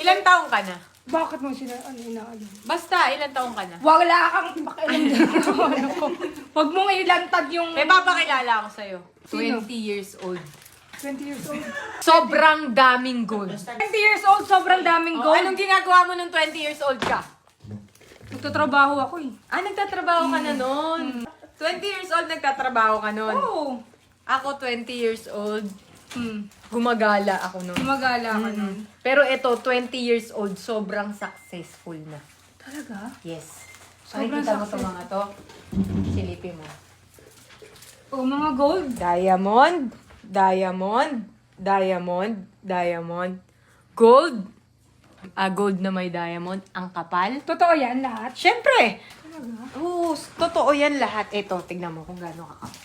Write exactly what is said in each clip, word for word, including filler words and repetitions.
Ilang taong ka na? Bakit mo sila, ano, inaalam? Basta, ilang taong ka na? Wala kang pakialam dito. Ano ko. Huwag mong ilantad yung May papakilala ako sa'yo. Sino? twenty years old. twenty years old. Sobrang daming gold. twenty years old, sobrang daming Oh, gold. anong ginagawa mo nung twenty years old ka? Nagtatrabaho ako eh. Ah, nagtatrabaho ka na noon. twenty years old, nagtatrabaho ka noon. Oo. Ako, twenty years old, Hmm. gumagala ako noon. Gumagala ka nun. Pero ito, twenty years old, sobrang successful na. Talaga? Yes. Sobrang Nakikita mo success- itong mga to? Silipin mo. Oh, mga gold. Diamond, diamond, diamond, diamond, gold. Ah, gold na may diamond. Ang kapal. Totoo yan lahat? Siyempre! Talaga? Oo, totoo yan lahat. Ito, tignan mo kung gaano kakapal.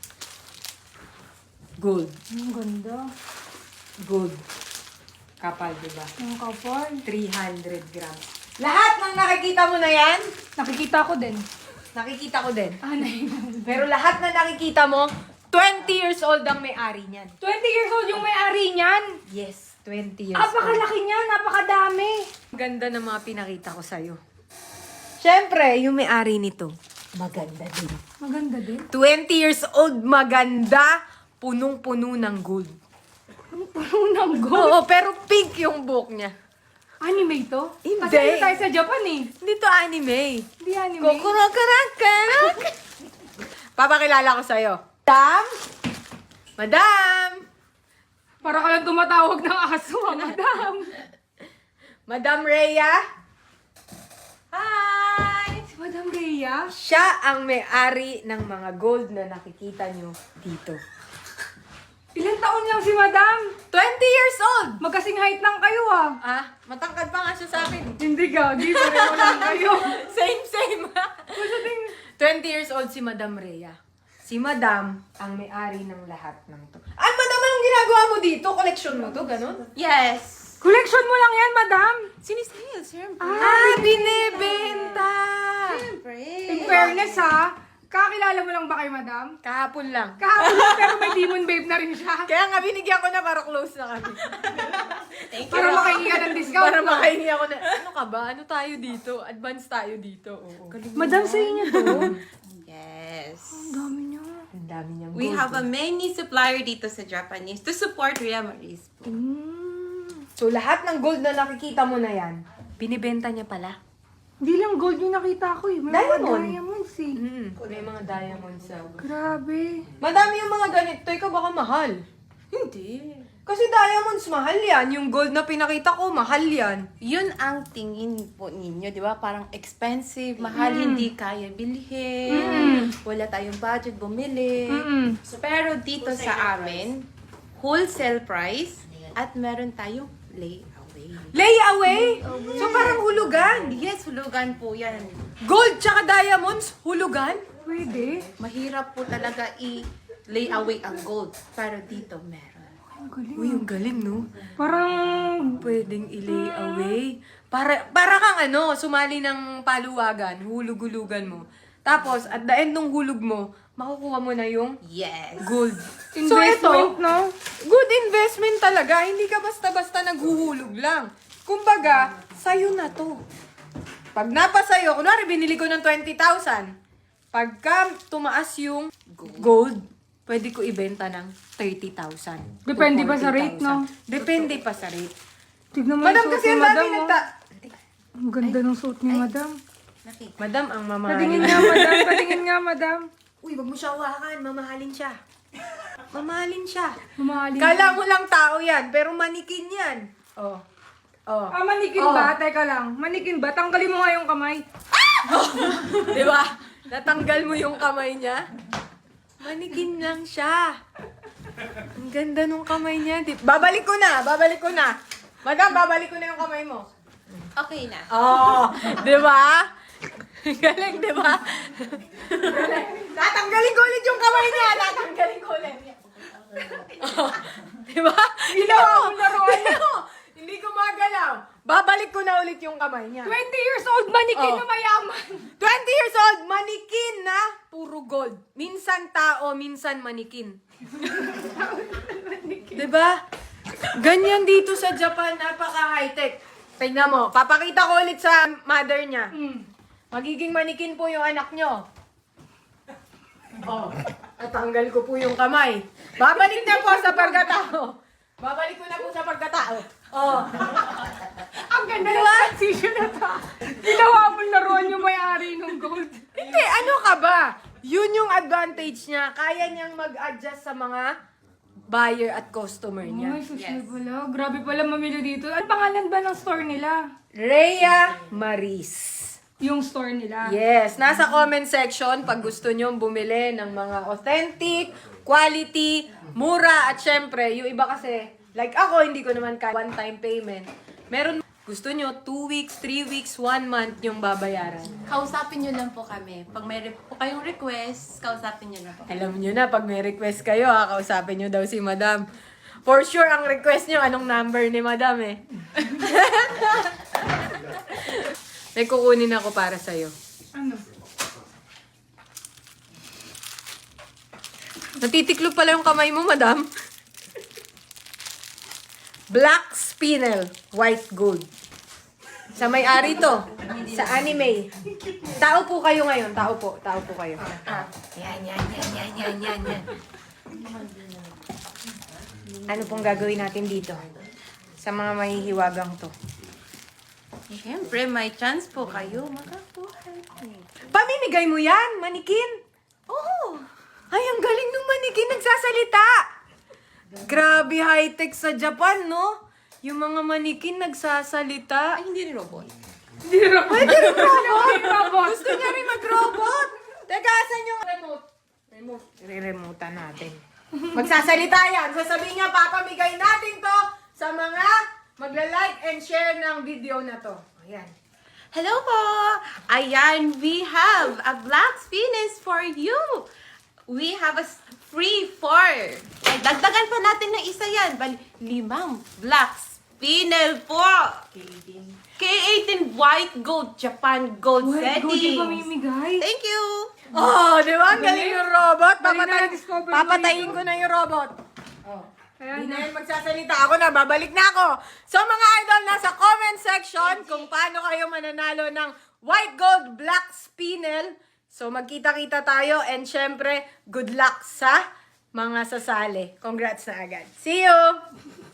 Gold. Ang ganda. Gold. Kapal, diba? Ang kapal. three hundred grams. Lahat ng nakikita mo na yan, Nakikita ko din. nakikita ko din. Ah, nai- Pero lahat na nakikita mo, twenty years old ang may-ari niyan. twenty years old yung may-ari niyan. Yes, twenty years old. Napakalaki niya, napakadami. Ganda ng mga pinakita ko sa'yo. Siyempre, yung may-ari nito, maganda din. Maganda din. twenty years old, maganda, punong-puno ng gold. Ang puno ng gold. Oo, pero pink yung buhok niya. Anime to? Hindi. Kasi ano tayo sa Japan eh. Hindi to anime. Hindi anime. Kukurakarak-karak. Papakilala ko sa'yo. Madam? Madam? Para ka lang tumatawag ng aso, ha, madam. Madam Rhea? Hi! Si Madam Rhea? Siya ang may-ari ng mga gold na nakikita nyo dito. Ilang taon lang si madam? twenty years old! Magkasing height lang kayo ah. Ah, matangkad pa nga siya sa akin. Hindi ka, di pareho lang kayo. Same, same. Basta ting... twenty years old si Madam Rhea. Si Madam ang may-ari ng lahat ng to. Ah, Madam, anong ginagawa mo dito? Collection mo to, ganun? Yes. Collection mo lang yan, madam. Sinisale, siyempre. Ah, binibenta! Siyempre. In fairness ha, kakilala mo lang ba kay madam? Kahapon lang. Kahapon lang, pero may demon babe na rin siya. Kaya nga binigyan ko na para close na kami. Thank you. Para makahingi ka ng discount. Para no? makahingi ako na, ano ka ba? Ano tayo dito? Advance tayo dito. Oo. Madam, sa inyo to. Yes. Ang dami niya. Ang dami niyang We gold. have a many supplier dito sa Japanese to support Rhea Maris. Mm. So, lahat ng gold na nakikita mo na yan, binibenta niya pala. Hindi lang gold yung nakita ko eh. May Diamond. mga diamonds eh. Mm, may mga diamonds sa... Grabe. Madami yung mga ganito. Ikaw baka mahal. Hindi. Kasi diamonds, mahal yan. Yung gold na pinakita ko, mahal yan. Yun ang tingin po ninyo, di ba? Parang expensive, mahal, hindi kaya bilhin. Wala tayong budget bumili. Mm-mm. So, pero dito sa amin, wholesale price at meron tayong layaway. Layaway? So parang hulugan. Yes, hulugan po yan. Gold tsaka diamonds, hulugan? Pwede. Mahirap po talaga i-lay away ang gold. Pero dito meron. Ang galing. Uy, ang galing, no? Parang... Pwedeng i-lay away. Para, para kang ano, sumali ng paluwagan, hulug-hulugan mo. Tapos, at the end ng hulug mo, makukuha mo na yung Yes. gold. Investment, so ito, no? good investment talaga. Hindi ka basta-basta naghuhulog lang. Kumbaga, sa'yo na to. Pag napasayo, kunwari binili ko ng twenty thousand. Pagka tumaas yung gold, pwede ko ibenta ng thirty thousand. Depende pa sa rate, no? Depende pa sa rate. Tignan mo Madam, yung suot kasi ni ang madam. dami oh. nagta... Ang ganda ng suot ni madam. Nakita. Madam, ang Patingin mamahalin. nga, madam. Patingin nga, madam. Uy, wag mo siya hawakan. Mamahalin siya. Mamahalin siya. Mamahalin. Kala mo lang tao yan, pero manikin yan. Oh. Oh. Ah, manikin Oh. ba? Teka lang. Manikin ba? Tanggalin mo nga yung kamay. Di ba? Natanggal mo yung kamay niya. Manikin lang siya. Ang ganda nung kamay niya. Di- babalik ko na, babalik ko na. Madam, babalik ko na yung kamay mo. Okay na. Oh, di ba? Galing, di ba? Tatanggalin ko ulit yung kamay niya. Tatanggalin ko ulit. Oh, di ba? Ginawa mo laruan niya. Hindi ko magalaw. Babalik ko na ulit yung kamay niya. twenty years old manikin Oh. na mayaman. twenty years old, manikin na puro gold. Minsan tao, minsan manikin. diba? Ganyan dito sa Japan, napaka-high-tech. Tingnan mo, papakita ko ulit sa mother niya. Mm. Magiging manikin po yung anak nyo. Oh, natanggal ko po yung kamay. Babalik na po sa pagkatao. Babalik ko na po sa pagkatao. Oh. Ang ganda ng transition na to. Ginawa mo laruan yung may-ari ng gold. Hindi, ano ka ba? Yun yung advantage niya. Kaya niyang mag-adjust sa mga buyer at customer niya. Ay, social pala. Grabe pala mamili dito. Ano pangalan ba ng store nila? Rhea Maris. Yung store nila. Yes, nasa comment section pag gusto nyo bumili ng mga authentic, quality, mura, at syempre, yung iba kasi, like ako, hindi ko naman kaya one-time payment. Meron, gusto nyo, two weeks, three weeks, one month yung babayaran. Kausapin nyo lang po kami. Pag may re- po kayong request, kausapin nyo lang po. Alam nyo na, pag may request kayo, ha, kausapin nyo daw si Madam. For sure, ang request nyo, anong number ni Madam eh. May kukunin ako para sa'yo. Ano? Natitiklop pala yung kamay mo, Madam. Black Spinel, white gold. Sa may-ari to. Sa anime. Tao po kayo ngayon. Tao po. Tao po kayo. Yan, yan, yan, yan, yan, yan, yan. Ano pong gagawin natin dito? Sa mga mahihiwagang to. Siyempre, may chance po kayo makakuha. Pamimigay mo yan, manikin. Oo! Ay, ang galing ng manikin, nagsasalita. Grabe high-tech sa Japan, no? Yung mga manikin nagsasalita. Ay, hindi rin robot. Hindi rin Pwede rin robot. robot. Gusto niya rin mag-robot. Teka, asan yung remote? Remote. Re-remote natin. Magsasalita yan. Sasabihin niya, papamigay natin to sa mga magla-like and share ng video na to. Ayan. Hello po! Ayan, we have a black spinach for you. We have a s- free four. Ay, dagdagan pa natin ng isa yan. Bali, limang black spinel po. K eighteen white gold, Japan gold White gold settings. yung pamimigay. Thank you. Oh, di ba? Ang galing yung robot. Galing na Papatay, na-discover ko papatayin ko na yung robot. Oh. Hindi na yun magsasalita. Ako na, babalik na ako. So mga idol, nasa comment section kung paano kayo mananalo ng white gold black spinel. So magkita-kita tayo and syempre, good luck sa mga sasali. Congrats na agad. See you!